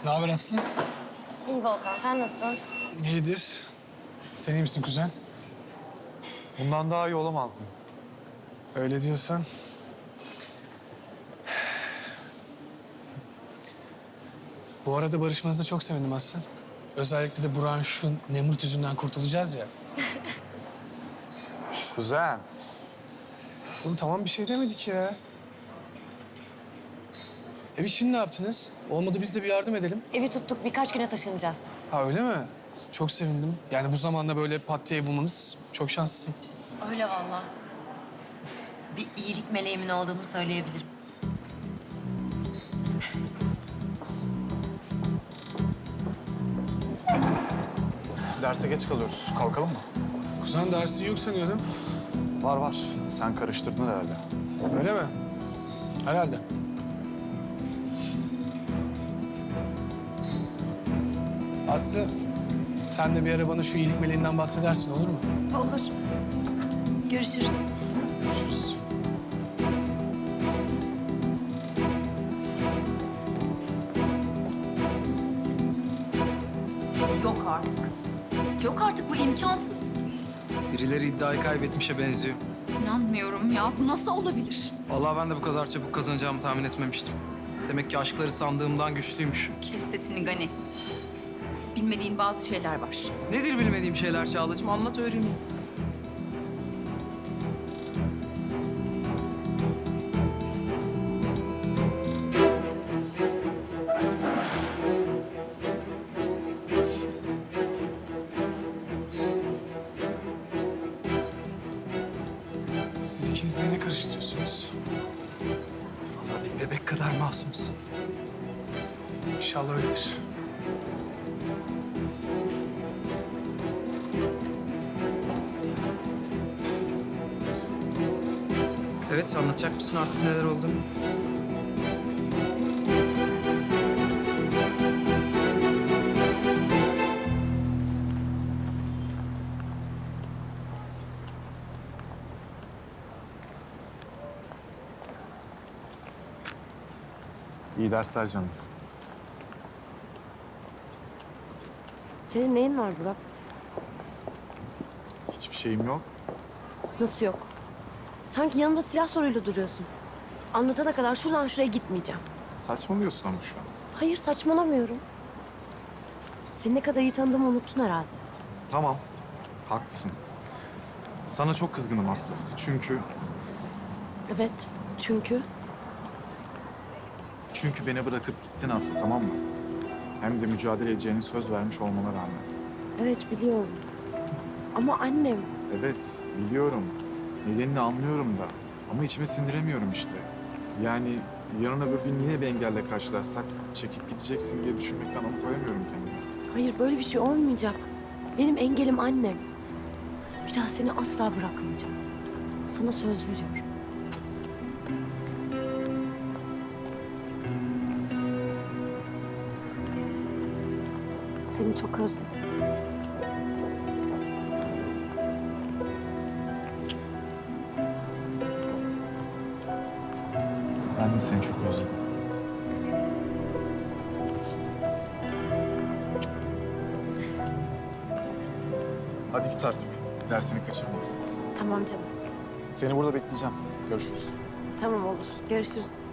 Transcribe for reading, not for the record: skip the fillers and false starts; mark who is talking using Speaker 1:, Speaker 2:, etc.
Speaker 1: Ne haber Aslı?
Speaker 2: İyi Volkan, sen nasılsın?
Speaker 1: İyidir. Sen iyi misin kuzen?
Speaker 3: Bundan daha iyi olamazdım.
Speaker 1: Öyle diyorsan. Bu arada barışmanıza çok sevindim Aslı. Özellikle de Burak'ın şu Nemrut yüzünden kurtulacağız ya.
Speaker 3: Kuzen.
Speaker 1: Oğlum tamam bir şey demedik ya. Biz şimdi ne yaptınız? Olmadı biz de bir yardım edelim.
Speaker 2: Evi tuttuk, birkaç güne taşınacağız.
Speaker 1: Ha öyle mi? Çok sevindim. Yani bu zamanda böyle pat diye bulmanız çok şanslısın.
Speaker 4: Öyle vallahi. Bir iyilik meleğimin olduğunu söyleyebilirim.
Speaker 3: Derse geç kalıyoruz. Kalkalım mı?
Speaker 1: Kuzen dersi yok sanıyordum.
Speaker 3: Var var. Sen karıştırdın herhalde.
Speaker 1: Öyle mi? Herhalde. Aslı, sen de bir ara bana şu iyilik meleğinden bahsedersin olur mu?
Speaker 4: Olur. Görüşürüz.
Speaker 1: Görüşürüz.
Speaker 4: Yok artık. Yok artık, bu imkansız.
Speaker 5: Birileri iddiayı kaybetmişe benziyor.
Speaker 4: İnanmıyorum ya. Bu nasıl olabilir?
Speaker 5: Vallahi ben de bu kadar çabuk kazanacağımı tahmin etmemiştim. Demek ki aşkları sandığımdan güçlüymüş.
Speaker 4: Kes sesini Gani. Bilmediğin bazı şeyler var.
Speaker 5: Nedir bilmediğim şeyler Çağla'cığım? Anlat öğreneyim.
Speaker 1: Siz ikiniz de ne karıştırıyorsunuz?
Speaker 5: Vallahi bir bebek kadar masumsun.
Speaker 1: İnşallah öyledir.
Speaker 5: Evet, anlatacak mısın artık neler olduğunu?
Speaker 3: İyi dersler canım.
Speaker 2: Senin neyin var Burak?
Speaker 3: Hiçbir şeyim yok.
Speaker 2: Nasıl yok? Sanki yanımda silah soruyla duruyorsun. Anlatana kadar şuradan şuraya gitmeyeceğim.
Speaker 3: Saçmalıyorsun ama şu an.
Speaker 2: Hayır, saçmalamıyorum. Seni ne kadar iyi tanıdığımı unuttun herhalde.
Speaker 3: Tamam. Haklısın. Sana çok kızgınım Aslı. Çünkü
Speaker 2: Evet, çünkü...
Speaker 3: beni bırakıp gittin Aslı, tamam mı? Hem de mücadele edeceğini söz vermiş olmana rağmen.
Speaker 2: Evet, biliyorum. Ama annem...
Speaker 3: Evet, biliyorum. Nedenini anlıyorum da. Ama içime sindiremiyorum işte. Yani yarın öbür gün yine bir engelle karşılaşsak çekip gideceksin diye düşünmekten alıkoyamıyorum kendimi.
Speaker 2: Hayır, böyle bir şey olmayacak. Benim engelim annem. Bir daha seni asla bırakmayacağım. Sana söz veriyorum. Seni çok özledim.
Speaker 3: Ben de seni çok özledim. Hadi git artık. Dersini kaçırma.
Speaker 2: Tamam canım.
Speaker 3: Seni burada bekleyeceğim. Görüşürüz.
Speaker 2: Tamam olur. Görüşürüz.